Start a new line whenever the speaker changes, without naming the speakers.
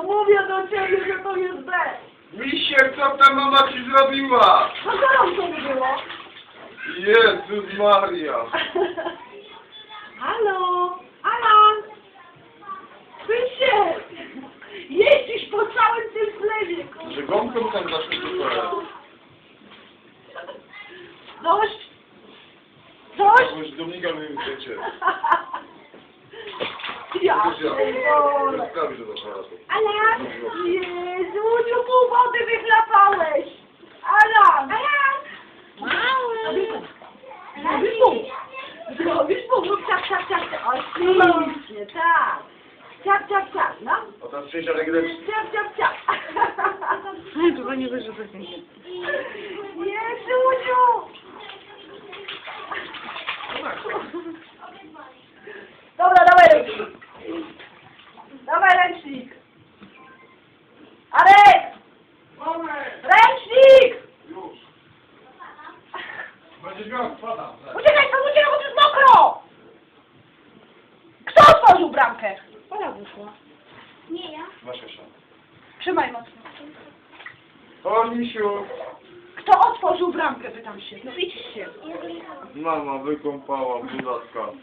No mówię do ciebie, że to jest B.
Misiek, co ta mama ci zrobiła?
No co nam to było?
Jezus Maria.
Halo? Alan? Wysiek! Jeździsz po całym tym sklepie, kurwa.
Że gąbką tam zaszło to
Dość? Dość?
już Dominika mi wiecie.
Ja pierdolę.
Sprawi, że do aparatu.
Alan! Jezu, pół wody wychlapałeś! Alan! Alan! Mały! Zrobisz pół! Zrobisz pół! Rób ciak, ciak, ciak! Oczywiście, tak! Ciak, ciak, ciak, no!
A tam przyjść, ale gdy...
Ciak, ciak, ciak!
Chyba nie wyszło tak nie.
Jezusiu! Dobra, dawaj ręcznik! Dawaj ręcznik! Arek! Ręcznik!
Już. Będziesz miał, spadam.
Uciekaj, stąd uciekaj, bo to jest mokro! Kto otworzył bramkę?
Ola wyszła.
Nie ja.
Masz jeszcze.
Trzymaj mocno.
O, Misiu.
Kto otworzył bramkę, pytam się. No idź się.
Mama wykąpała budatka.